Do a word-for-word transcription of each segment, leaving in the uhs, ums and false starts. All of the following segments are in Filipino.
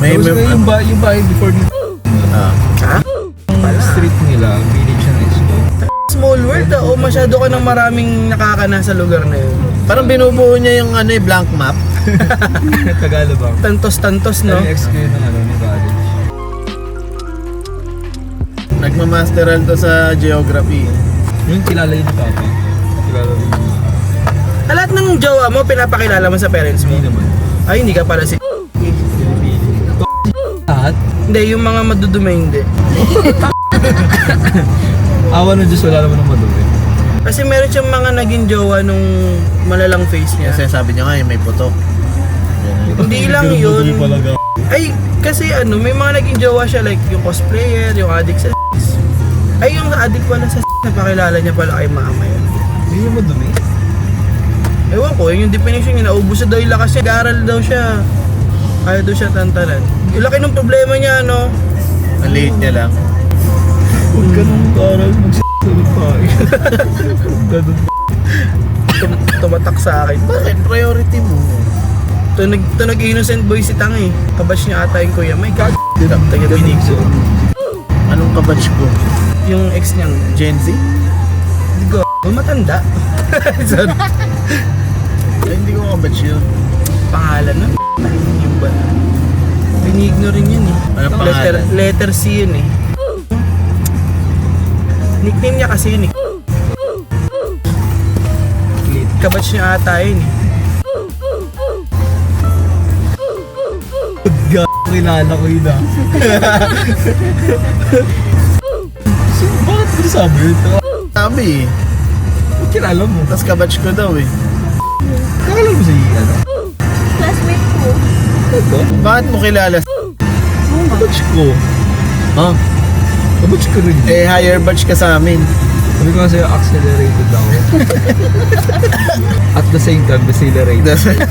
May, Tapos may, yung, ba, yung bahay before nila. ah. Ha? Yung street nila, village na isko. Small world ah. O masyado ka ng maraming nakakana sa lugar na yun. Parang binubuo niya yung ano eh, blank map. Tagalog ba? Tantos-tantos, no? Ano yung ex ko yun ng ano, ni college. Nagmamasteral to sa geography. Yung kilala yun ni Papa. Kilala yun. Ah, lahat ng jowa mo, pinapakilala mo sa parents mo? Hindi naman. Ay, hindi ka pala si... Lahat? Hindi, yung mga madudumi hindi. Awa ng Diyos, wala naman ng madumi. Kasi meron siyang mga naging jowa nung malalang face niya. Kasi sabi niya nga eh, may putok. Yan. Hindi lang yun. Ay, kasi ano, may mga naging jowa siya like yung cosplayer, yung addict sa sex. Ay, yung addict pala sa sex, napakilala niya pala kay mama yun. Hindi yung madumi. Ewan ko, yun yung definition niya, naubos na daw yung lakas niya, garal daw siya. Kaya daw siya tantanan. Yung laki ng problema niya, ano? Ang liit niya lang. Huwag ka nung karal magsasalit pa. Ganun. Tum- tumatak sa akin. Bakit? Priority mo. Tunog, tunog innocent boy si Tang eh. Kabatch niya ata yung kuya. My God. Taga binig ko. Anong kabatch ko? Yung ex niyang Gen Z? Hindi ko. Matanda. Sorry. Ay, hindi ko kabatch yun. Pangalan na. Yung ba? Pinigno rin yun eh. Anong Letter, pangalan? letter C yun eh. Nickname niya kasi yun eh. Kabatch niya ata yun eh. G***, kilala ko yun ah. So, bakit ko sabi yun? Sabi eh. Ba't kilala mo? Tapos kabatch ko daw eh. Kakala mo si ano? Classmate ko. Ito? Bakit mo kilala? Kabatch ko. Ha? Kabatch ko rin. Eh, higher batch ka sa amin. Sabi ko kasi accelerated ako. At the same time, decelerated.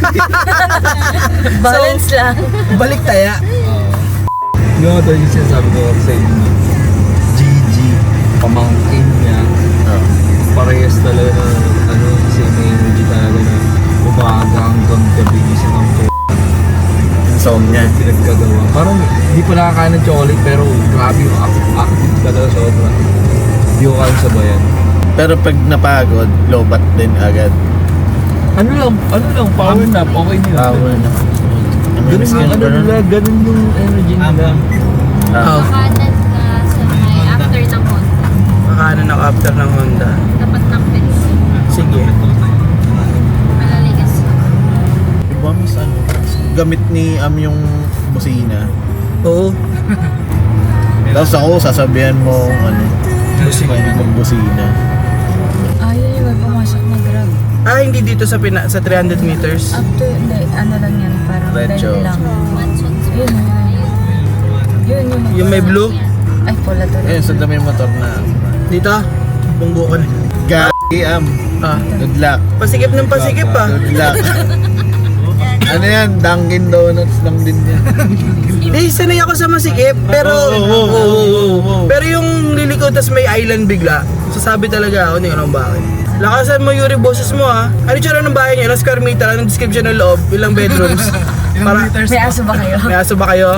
Balance lang. Balik taya. Yung mga talaga yung sinasabi ko sa inyo na G G, pamangkin niya, Oh. parehas talaga na ano, same energy talaga na umaga hanggang gabi isa ng p***. Yung song niya. Pinagkagawa. Parang hindi pa nakakain ng chocolate pero grabe yung active, active talaga sobra. Hindi ko kayang sabayan. Pero pag napagod, lobat din agad. Ano lang, ano lang, power nap, okay nila. Power nap. Ganun yung ano nila, ganun yung energy nila. Ah. Makanan na sa may after ng Honda. Makanan ng after ng Honda. Tapat ng Pets. Sige. Malaligas. Diba mas ano? Gamit ni Am yung busina. Oo. Tapos ako, sasabihan mo ano, magbusina. Ayun yung may pumasok na grab. Ah, hindi dito sa pina sa three hundred meters. After, hindi, ano lang yan, parang Retro. dahil lang. Mansons. Yun, yun, yun. Yun, yun. Yung may blue. Ay, pula to. Eh, sa dami yung motor na. Dito. Bunggo ka na. Gagi Am. Ah. Good luck. Pasikip ng pasikip ah. Good luck. Ano yan? Dunkin Donuts lang din yan. Eh, sanay ako sa masikip, pero... Oo, oo, oo, oo, oo, oo. Pero yung liliko tas may island bigla, sasabi talaga ako, hindi ko alam bakit. Lakasan mo Yuri boses mo ha. Ano tsura ng bahay niyo? Ilang square meter? Anong description ng loob? Ilang bedrooms? Para, May aso ba kayo? may aso ba kayo?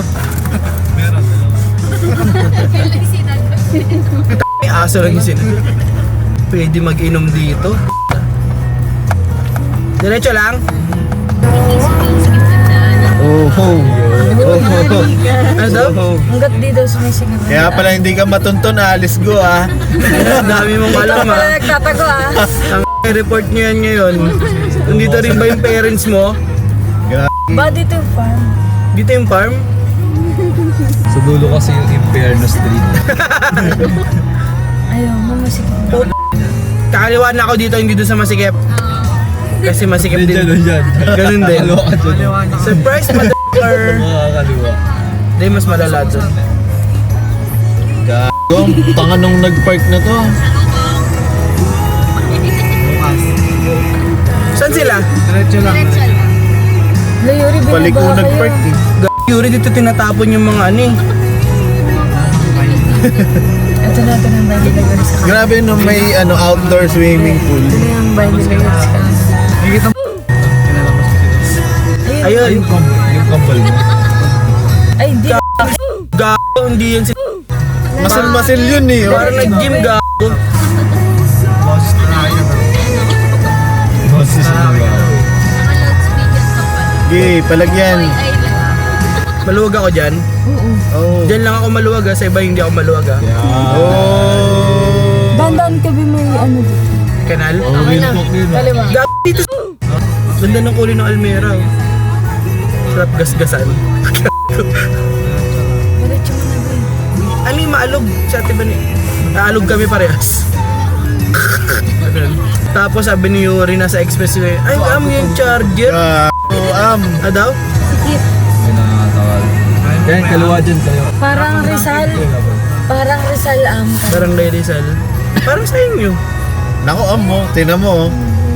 May aso lang yung sin. Pwede mag-inom dito. Diretso lang? Oh, oh. Ano daw? Hanggat di daw sumisigil. Kaya pala hindi ka matunton, alis go ah. Dami mong alam Pala ha. nagtatago ah. Ang report nyo yan ngayon. Nandito rin ba yung parents mo? Ba dito yung farm? Dito yung farm? Sa dulo kasi yung Imperno Street. Ayaw, mamasigil. Oh, kakaliwa na ako dito, hindi doon sa masikip. Kasi masikip din. Diyan, diyan. Ganun din. Kaliwa ka dyan. Surprise, mother! Makakaliwa. Hindi, mas malala doon. Gago, tanga nung nag-park na to. Saan sila? Diretso lang. Layuri, Balik ko binaba nag-park kayo. eh. G- Yuri, dito tinatapon yung mga ano eh. Ito na, ito na yung Bible Layuri sa kanila. Grabe no, may ano outdoor swimming pool. Ito na yung Bible Layuri sa kanila. Ayun. Yung, kam- yung kambal mo. Ay, Gago, hindi yan si... Masil-masil yun eh. Parang nag-gym, gago. Boses na ba? Naka-loudspeaker ka pa. Gay, palagyan. Ay, ay lang. Maluwag ako dyan. Oh. Dyan lang ako maluwag ha, sa iba hindi ako maluwag ha. Oh. Dandan ka ba may ano dito? Kanal? Okay na. Kaliwa. Gago dito sa... Ganda ng kulay ng Almera. oh. Sarap gasgasan. Diretso mo na ba eh. Ano yung maalog sa ate ba ni? Naalog kami parehas. Ganun. Tapos sabi ni Yuri nasa expressway, ay am yung charger. Ah, oh, am. Ah daw? Sikip. Pinatawal. Yan, kaliwa dyan kayo. Parang Rizal. Parang Rizal am. Parang Lady Rizal. Parang sa inyo. Nako, am mo. Tingnan mo. oh.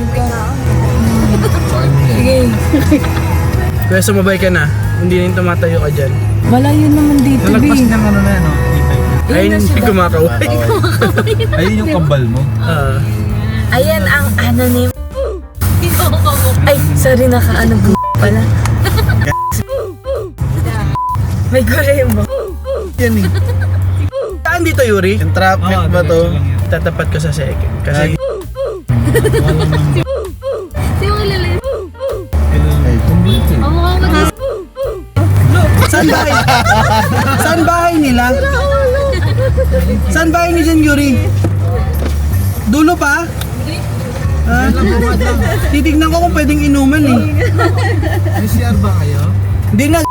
Sa akin mo yan. Sige. Kaya sumabay ka na. Hindi na yung tumatayo ka dyan. Malayo naman dito, B. ng ano na yan, no? Ay, na hindi siya. kumakaway. Ayun yung kambal mo. Ah. Ayan ang anonym. Hindi ako kamukha. Ay, sorry, naka-ano b*** pala. May gulay mo. Yan eh. Saan dito, Yuri? Yung traffic ba to? Tatapat ko sa second. Kasi Hindi mo kilala yun. Ay, Ang mukha mo din. saan bahay? Saan bahay nila? Saan bahay ni Jan Yuri? Dulo pa? Ha? Titignan ko kung pwedeng inuman eh. May C R ba kayo? Hindi na.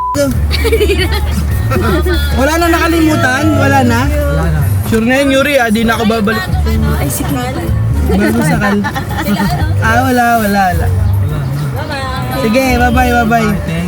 Wala na nakalimutan? Wala na? Wala na. Sure na yun, Yuri ah. Di na ako babalik. Ay, sige. Bago sakal. Ah, wala, wala, wala. Sige, bye-bye, bye-bye.